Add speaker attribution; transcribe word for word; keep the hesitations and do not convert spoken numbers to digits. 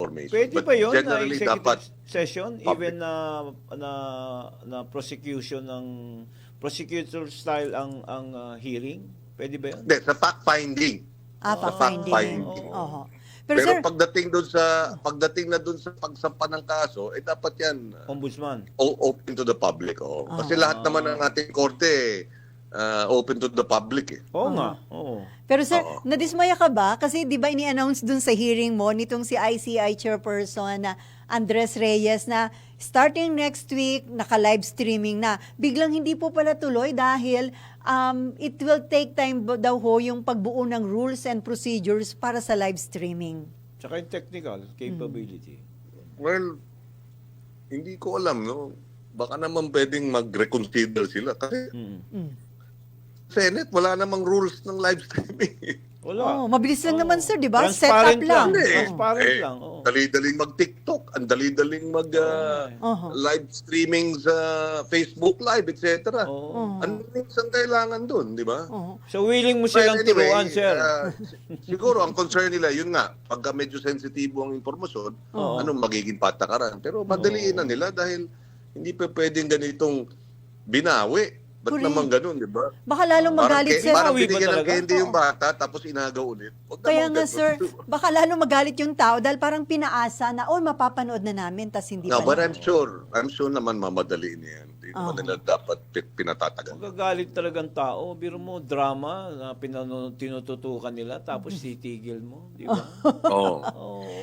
Speaker 1: information.
Speaker 2: Pwede
Speaker 1: But
Speaker 2: ba yun na
Speaker 1: generally,
Speaker 2: executive
Speaker 1: dapat
Speaker 2: session,
Speaker 1: public.
Speaker 2: even na, na, na prosecution ng, prosecutor style ang, ang ah, hearing? Pwede ba yun?
Speaker 1: Hindi, sa fact-finding.
Speaker 3: Ah,
Speaker 1: Sa
Speaker 3: fact-finding.
Speaker 1: fact-finding.
Speaker 3: Oho.
Speaker 1: Pero,
Speaker 3: Pero, sir,
Speaker 1: pagdating doon sa pagdating na doon sa pagsampa ng kaso, eh dapat 'yan uh,
Speaker 2: Ombudsman.
Speaker 1: o- open to the public. Oh. Kasi
Speaker 3: Ah.
Speaker 1: lahat naman ng ating korte uh, open to the public eh.
Speaker 2: Oo nga. Oo.
Speaker 3: pero sir,
Speaker 1: Oo.
Speaker 3: nadismaya ka ba? Kasi di ba ini-announce dun sa hearing mo nitong si I C I chairperson na Andres Reyes na starting next week, naka-live streaming na. Biglang hindi po pala tuloy dahil um, it will take time ba- daw ho yung pagbuo ng rules and procedures para sa live streaming.
Speaker 2: Tsaka yung technical capability.
Speaker 1: Well, hindi ko alam no. Baka naman pwedeng mag-reconsider sila kasi
Speaker 2: Mm.
Speaker 3: Mm.
Speaker 1: Senate wala namang rules ng live streaming.
Speaker 2: Wala.
Speaker 3: Oh, mabilis lang
Speaker 2: Oo.
Speaker 3: naman sir, di ba? Set
Speaker 2: Transparent
Speaker 3: up lang.
Speaker 2: lang.
Speaker 1: Hindi.
Speaker 2: Transparent
Speaker 1: Eh,
Speaker 2: lang. Oo.
Speaker 1: Dali-daling mag-TikTok, ang dali-daling mag uh,
Speaker 3: Oho.
Speaker 1: live streaming sa Facebook Live, et cetera.
Speaker 2: Oo.
Speaker 3: Oh.
Speaker 1: Ano yung kailangan doon, di ba?
Speaker 3: Oho.
Speaker 2: So willing mo
Speaker 1: Well,
Speaker 2: silang
Speaker 1: anyway,
Speaker 2: turuan, sir.
Speaker 1: uh, siguro ang concern nila, yun nga, pagka medyo sensitibo ang impormasyon,
Speaker 2: Oo.
Speaker 1: anong magiging patakaran. Pero madaliin na nila dahil hindi pa pwedeng ganitong binawi. Ba't
Speaker 3: Correct.
Speaker 1: naman ganun, di ba?
Speaker 3: Baka lalong magalit
Speaker 1: parang,
Speaker 3: sir.
Speaker 1: parang
Speaker 2: Binawi ba
Speaker 1: binigyan ng
Speaker 2: talaga?
Speaker 1: candy yung bata, tapos inagaw ulit. Huwag
Speaker 3: Kaya
Speaker 1: naman
Speaker 3: nga
Speaker 1: ganun.
Speaker 3: sir, baka lalong magalit yung tao dahil parang pinaasa na, oh, mapapanood na namin, tas hindi
Speaker 1: No,
Speaker 3: pala.
Speaker 1: but I'm sure, I'm sure naman mamadaliin yan. Hindi naman
Speaker 3: Oo.
Speaker 1: nila dapat pi- pinatatagal.
Speaker 2: Magagalit talagang tao. Biro mo, drama na pinano, tinututukan nila tapos titigil mo. Di ba?
Speaker 1: Oo.
Speaker 2: Oo.